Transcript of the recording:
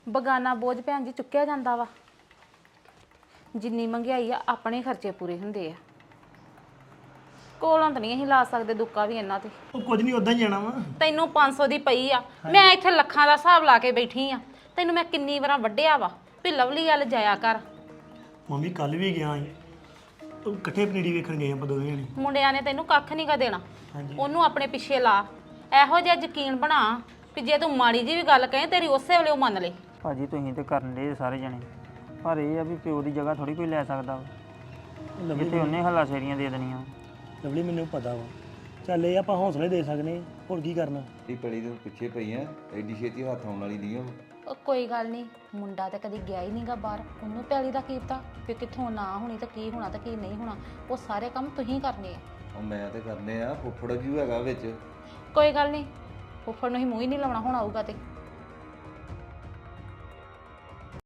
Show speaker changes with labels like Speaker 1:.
Speaker 1: ਬਗਾਨਾ ਬੋਝ ਭੈਣ ਜੀ ਚੁੱਕਿਆ ਜਾਂਦਾ ਵਾ। ਜਿੰਨੀ ਮਹਿੰਗਾਈ ਆ ਆਪਣੇ ਖਰਚੇ ਪੂਰੇ ਹੁੰਦੇ ਆ। ਕੋਲੋਂ ਤਾਂ ਨਹੀਂ ਅਸੀਂ ਲਾ ਸਕਦੇ ਦੁੱਕਾ ਵੀ ਇਹਨਾਂ ਤੇ।
Speaker 2: ਉਹ ਕੁਝ ਨਹੀਂ ਉਦਾਂ ਹੀ ਜਾਣਾ ਵਾ।
Speaker 1: ਤੈਨੂੰ 500 ਦੀ ਪਈ ਆ, ਮੈਂ ਇੱਥੇ ਲੱਖਾਂ ਦਾ ਹਿਸਾਬ ਲਾ ਕੇ ਬੈਠੀ ਆ। ਤੈਨੂੰ ਮੈਂ ਕਿੰਨੀ ਵਾਰਾਂ ਵੱਢਿਆ ਵਾ ਵੀ ਲਵਲੀ ਗੱਲ ਜਾਇਆ ਕਰ।
Speaker 2: ਮੰਮੀ ਕੱਲ ਵੀ ਗਿਆ ਸੀ, ਉਹ ਇਕੱਠੇ ਪਨੀਰੀ ਵੇਖਣ ਗਏ ਆਪਾਂ ਦੋਵੇਂ ਜਣੇ।
Speaker 1: ਮੁੰਡਿਆਂ ਨੇ ਤੈਨੂੰ ਕੱਖ ਨਹੀਂ ਗਾ ਦੇਣਾ।
Speaker 2: ਹਾਂਜੀ
Speaker 1: ਉਹਨੂੰ ਆਪਣੇ ਪਿੱਛੇ ਲਾ। ਇਹੋ ਜਿਹਾ ਯਕੀਨ ਬਣਾ ਵੀ ਜੇ ਤੂੰ ਮਾੜੀ ਜੀ ਵੀ ਗੱਲ ਕਹੇ ਤੇਰੀ ਉਸੇ ਵੇਲੇ ਉਹ ਮੰਨ ਲੇ।
Speaker 3: ਭਾਜੀ ਤੁਸੀਂ ਤੇ ਕਰਨ ਦੇ ਸਾਰੇ ਜਣੇ, ਪਰ ਇਹ ਆ ਵੀ ਪਿਓ ਦੀ ਜਗ੍ਹਾ ਥੋੜੀ ਕੋਈ ਲੈ ਸਕਦਾ ਵਾ।
Speaker 2: ਲਵਲੀ
Speaker 3: ਜਿੱਥੇ ਉਹਨੇ ਹੱਲਾ ਸ਼ੇਰੀਆਂ ਦੇ ਦੇਣੀਆਂ।
Speaker 2: ਲਵਲੀ ਮੈਨੂੰ ਪਤਾ ਵਾ, ਚੱਲ ਇਹ ਆਪਾਂ ਹੌਸਲੇ ਦੇ ਸਕਦੇ ਹਾਂ, ਹੋਰ ਕੀ ਕਰਨਾ।
Speaker 4: ਇਹ ਪੜੀ ਦੇ ਪਿੱਛੇ ਪਈ ਆ, ਐਡੀ ਛੇਤੀ ਹੱਥ ਆਉਣ ਵਾਲੀ ਨਹੀਂ
Speaker 1: ਉਹ ਕੋਈ ਗੱਲ ਨਹੀਂ, ਮੁੰਡਾ ਤਾਂ ਕਦੀ ਗਿਆ ਹੀ ਨਹੀਂਗਾ ਬਾਹਰ। ਉਹਨੂੰ ਪੈਲੀ ਦਾ ਕੀ ਪਤਾ ਕਿ ਕਿੱਥੋਂ ਨਾ ਹੋਣੀ ਤਾਂ ਕੀ ਹੋਣਾ ਤਾਂ ਕੀ ਨਹੀਂ ਹੋਣਾ। ਉਹ ਸਾਰੇ ਕੰਮ ਤੁਸੀਂ ਕਰਨੇ ਆ।
Speaker 4: ਉਹ ਮੈਂ ਤੇ ਕਰਨੇ ਆ, ਫੁੱਫੜ ਵੀ ਹੈਗਾ ਵਿੱਚ।
Speaker 1: ਕੋਈ ਗੱਲ ਨਹੀਂ, ਫੁੱਫੜ ਨੂੰ ਹੀ ਮੂੰਹ ਹੀ ਨਹੀਂ ਲਾਉਣਾ ਹੁਣ ਆਊਗਾ ਤੇ।